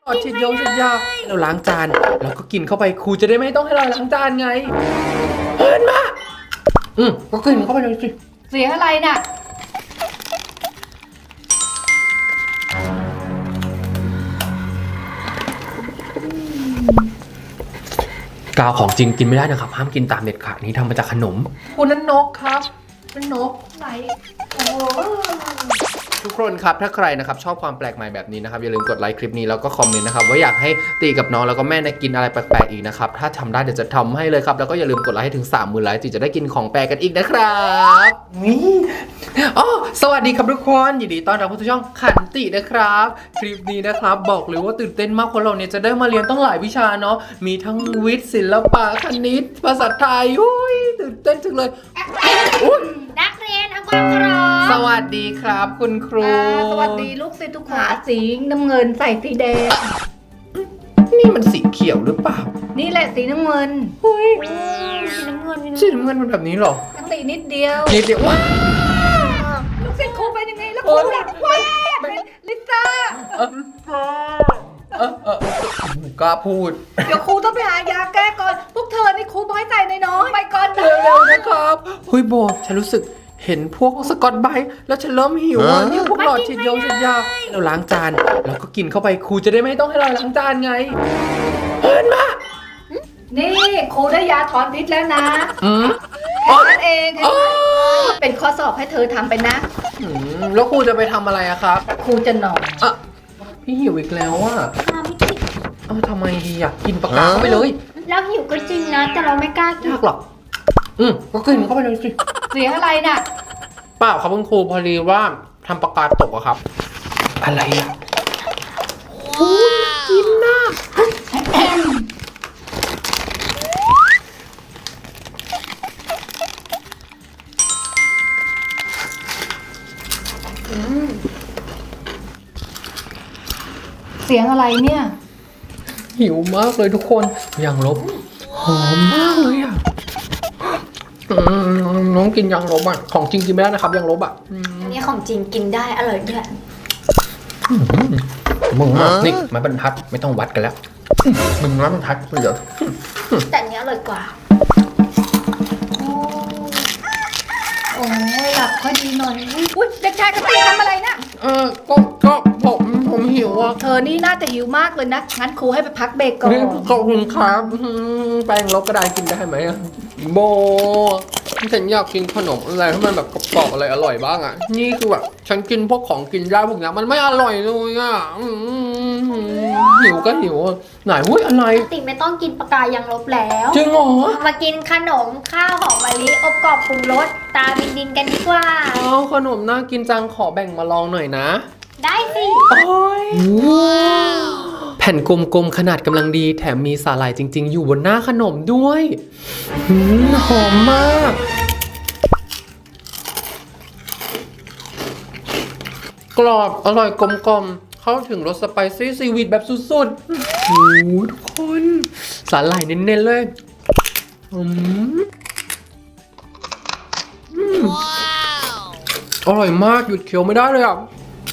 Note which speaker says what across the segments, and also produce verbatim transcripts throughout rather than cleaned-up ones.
Speaker 1: อดฉีดยงฉีดยาเราล้างจานเราก็กินเข้าไปครูจะได้ไม่ต้องให้เราล้างจานไงเอินมาอืมก็กินเข้าไปเลยสิ
Speaker 2: เสียงอะไรน่ะ
Speaker 1: กาวของจริงกินไม่ได้นะครับห้ามกินตามเด็ดขาดนี้ทำมาจากขนมคุณนั่นนกครับนั่นนกไหนโอ้ทุกคนครับถ้าใครนะครับชอบความแปลกใหม่แบบนี้นะครับอย่าลืมกดไลค์คลิปนี้แล้วก็คอมเมนต์นะครับว่าอยากให้ตีกับน้องแล้วก็แม่กินอะไรแปลกๆอีกนะครับถ้าทำได้เดี๋ยวจะทำให้เลยครับแล้วก็อย่าลืมกดไลค์ให้ถึงสามหมื่นไลค์ตีจะได้กินของแปลกกันอีกนะครับนี่อ๋อสวัสดีครับทุกคนยินดีต้อนรับเข้าสู่ช่องขันตินะครับคลิปนี้นะครับบอกเลยว่าตื่นเต้นมากเพราะเราเนี่ยจะได้มาเรียนต้องหลายวิชาเนาะมีทั้งวิทย์ศิลปะคณิตภาษาไทยอุ้ยตื่นเต้นจังเลย
Speaker 3: นักเรียนทำความเคารพ
Speaker 1: สวัสดีครับคุณครู
Speaker 2: สวัสดีลูกศิษย์ทุกขาสีน้ำเงินใส่สีแดง
Speaker 1: นี่มันสีเขียวหรือเปล่า
Speaker 2: นี่แหละสีน้ำเงิน
Speaker 1: เฮ้ย
Speaker 3: สีน้ำเงิน
Speaker 1: สีน้ำเงินมันแบบนี้หรอ
Speaker 2: สีนิดเดียว
Speaker 1: นิดเดียวว้า
Speaker 2: ลูกศิษย์ครูเป็นยังไงแล้วครูแบบว้าเป็นลิซ่า
Speaker 1: เออเออเออกล้าพูด
Speaker 2: เดี๋ยวครูต้องไปหายาแก้ก่อนพวกเธอนี่ครูบอยใจน้อยไปก่อนนะ
Speaker 1: เร็วๆนะครับเฮ้ยโบฉันรู้สึกเห็นพวกสกอตไบรท์แล้วฉันเริ่มหิวอ่ะนี่พวกหลอดฉีดยงฉีดยาเราล้างจานเราก็กินเข้าไปครูจะได้ไม่ต้องให้เราล้างจานไงเอินมา
Speaker 2: นี่ครูได้ยาถอนพิษแล้วนะ
Speaker 1: อืม
Speaker 2: นั่นเองเป็นข้อสอบให้เธอทำไปนะ
Speaker 1: แล้วครูจะไปทำอะไรอะครับ
Speaker 2: ครูจะนอน
Speaker 1: อ่ะพี่หิวอีกแล้วอ่ะเอ้าทำไมดีอ่ะกินปากกาเข้าไปเลย
Speaker 3: แล้วหิวก็จริงนะแต่เราไม่กล้ากิน
Speaker 1: ยากหรอกอืมก็กินเข้าไปเลยสิ
Speaker 2: เสียงอะไรน่ะ
Speaker 1: เปล่าครับคุณครูพอดีว่าทำปากกาตกอะครับอะไรอ่ะโอ้ยกินนะ
Speaker 2: เสียงอะไรเนี่ย
Speaker 1: หิวมากเลยทุกคนยังลบหอมมากเลยอ่ะน้องกินยังลบอ่ะของจริงกินไม่ได้นะครับยังลบอ่ะ
Speaker 3: อันนี้ของจริงกินได้อร่อยด้วย
Speaker 1: มึงนี่ไม้บรรทัดไม่ต้องวัดกันแล้วมึงไม้บรรทัดเหลือ
Speaker 3: แต่อันนี้อร่อยกว่า
Speaker 2: โอ้ยหลับค่อยดีหน่อยอุ้ยเด็กชายกติทำอะไรนะ
Speaker 1: เออก็ก็ผมผมหิวอ่ะ
Speaker 2: เธอนี่น่าจะหิวมากเลยนะงั้นครูให้ไปพักเบรกก่อน
Speaker 1: ขอบคุณครับแป้งลบกระดาษกินได้ไหมอ่ะโบฉันอยากกินขนมอะไรที่มันแบบกรอบๆอะไรอร่อยบ้างอ่ะนี่คือแบบฉันกินพวกของกินได้พวกนี้มันไม่อร่อยเลยอ่ะหิวก็หิวไหนหุ้ยอะไร
Speaker 3: ติไม่ต้องกินปากกายังลบแล้ว
Speaker 1: จริงเหรอ
Speaker 3: มากินขนมข้าวหอมมะลิอบกรอบปรุงรสตาบินดินกันดีกว่า
Speaker 1: อ๋อขนมน่ากินจังขอแบ่งมาลองหน่อยนะ
Speaker 3: ได้สิ
Speaker 1: โอ้ยแผ่นกลมๆขนาดกำลังดีแถมมีสาหร่ายจริงๆอยู่บนหน้าขนมด้วยหอมมากกรอบอร่อยกลมๆเข้าถึงรสสไปซี่ซีวิตแบบสุดๆโอ้ทุกคนสาหร่ายเน้นๆเลยอืมอร่อยมากหยุดเคี้ยวไม่ได้เลยอ่ะ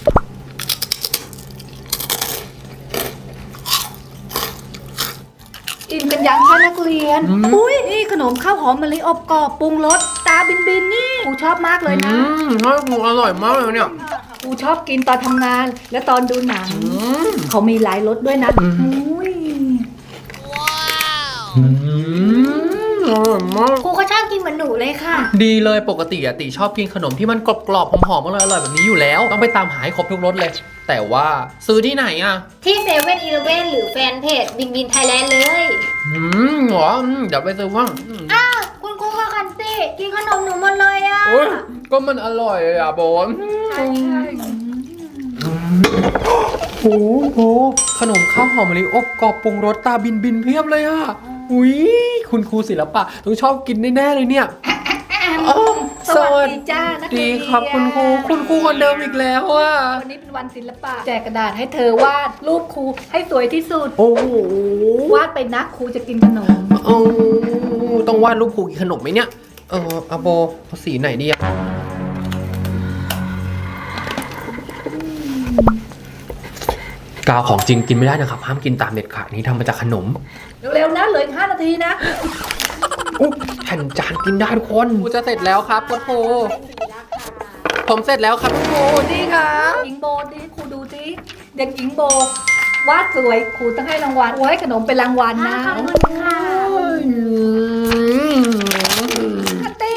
Speaker 2: อิ่มกันยังคะนักเรียนอุ้ยนี่ขนมข้าวหอมมะลิอบกรอบปรุงรสตาบินบินนี่ครูชอบมากเลยนะ
Speaker 1: อืมอร่อยมากเลยเนี่ย
Speaker 2: ครูชอบกินตอนทำงานและตอนดูหนังเขามีหลายรสด้วยนะอุ้ย
Speaker 3: ว้าว
Speaker 1: อร่อยมาก
Speaker 3: ครูก็ชอบกินเหมือนหนูเลยค่ะ
Speaker 1: ดีเลยปกติอะติชอบกินขนมที่มันกรอบๆหอมๆอร่อยๆแบบนี้อยู่แล้วต้องไปตามหาให้ครบทุกรสเลยแต่ว่าซื้อที่ไหนอะ
Speaker 3: ที่เซเว่นอีเลฟเว่นหรือแฟนเพจบินบินไทยแลนด์เลย
Speaker 1: อืมหรอเดี๋ยวไปซื้อว่าง
Speaker 3: อ้าวคุณครูก็คันติกินขนมหนูหมดเลยอะ
Speaker 1: ก็มันอร่อยอะบอล
Speaker 2: ใช่ใช่
Speaker 1: โอ้โหขนมข้าวหอมมะลิอบกรอบปรุงรสตาบินบินเพียบเลยอะอุ้ยคุณครูศิลปะต้องชอบกินแน่ๆเลยเนี่ย
Speaker 2: สวัสดีจ้านักเรียน
Speaker 1: ดีครับคุณครูคุณครูคนเดิมอีกแล้วอ่ะ
Speaker 2: วันนี้เป็นวันศิลปะแจกกระดาษให้เธอวาดรูปครูให้สวยที่สุด
Speaker 1: โอ้โห
Speaker 2: วาดไปนะครูจะกินขนม
Speaker 1: โอ้ต้องวาดรูปครูกินขนมไหมเนี่ยเอออาโบสีไหนดีอะกาวของจริงกินไม่ได้นะครับห้ามกินตามเด็ดขาดนี้ทำมาจากขนม
Speaker 2: เร็วๆนะเหลืออีกห้านาทีนะ
Speaker 1: อุ๊ยแผ่นจานกินได้ทุกคนครูจะเสร็จแล้วครับคุณครูผมเสร็จแล้วครับคุณครู
Speaker 2: นี่ค่ะหญิงโบดิครูดูสิเด็กหญิงโบวาดสวยครูต้องให้รางวัลครูให้ขนมเป็นรางวัลนะ
Speaker 3: ขอบคุณค่ะ
Speaker 2: คัตตี้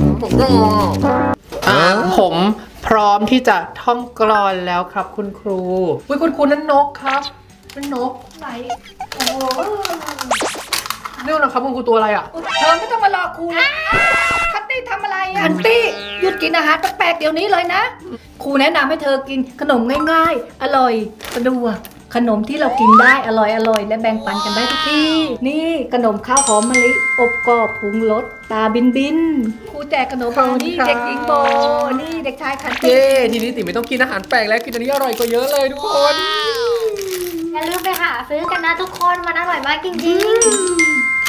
Speaker 1: อ่าผมพร้อมที่จะท่องกลอนแล้วครับคุณครูอุ้ยคุณครูนั่นนกครับนั่นนก
Speaker 2: ไหนโอ้โห
Speaker 1: นี่นะครับคุณครูตัวอะไรอ่ะ
Speaker 2: เธอไม่ต้องมารอครูนะคัตตี้ทำอะไรอะคัตตี้หยุดกินอาหารแปลกๆเดี๋ยวนี้เลยนะครูแนะนำให้เธอกินขนมง่ายๆ อร่อยสะดวกขนมที่เรากินได้อร่อยอร่อยและแบ่งปันกันได้ทุกที่นี่ขนมข้าวหอมมะลิอบกรอบปรุงรสตาบินบินครูแจกขนมนี่เด็กหญิงโบนี่เด็กชายคันตี้
Speaker 1: เย้ทีนี้ติไม่ต้องกินอาหารแปลกแล้วกินอันนี้อร่อยกว่าเยอะเลยทุกคน
Speaker 3: อย่าลืมไปหาซื้อกันนะทุกคนมันอร่อยมากจริงๆ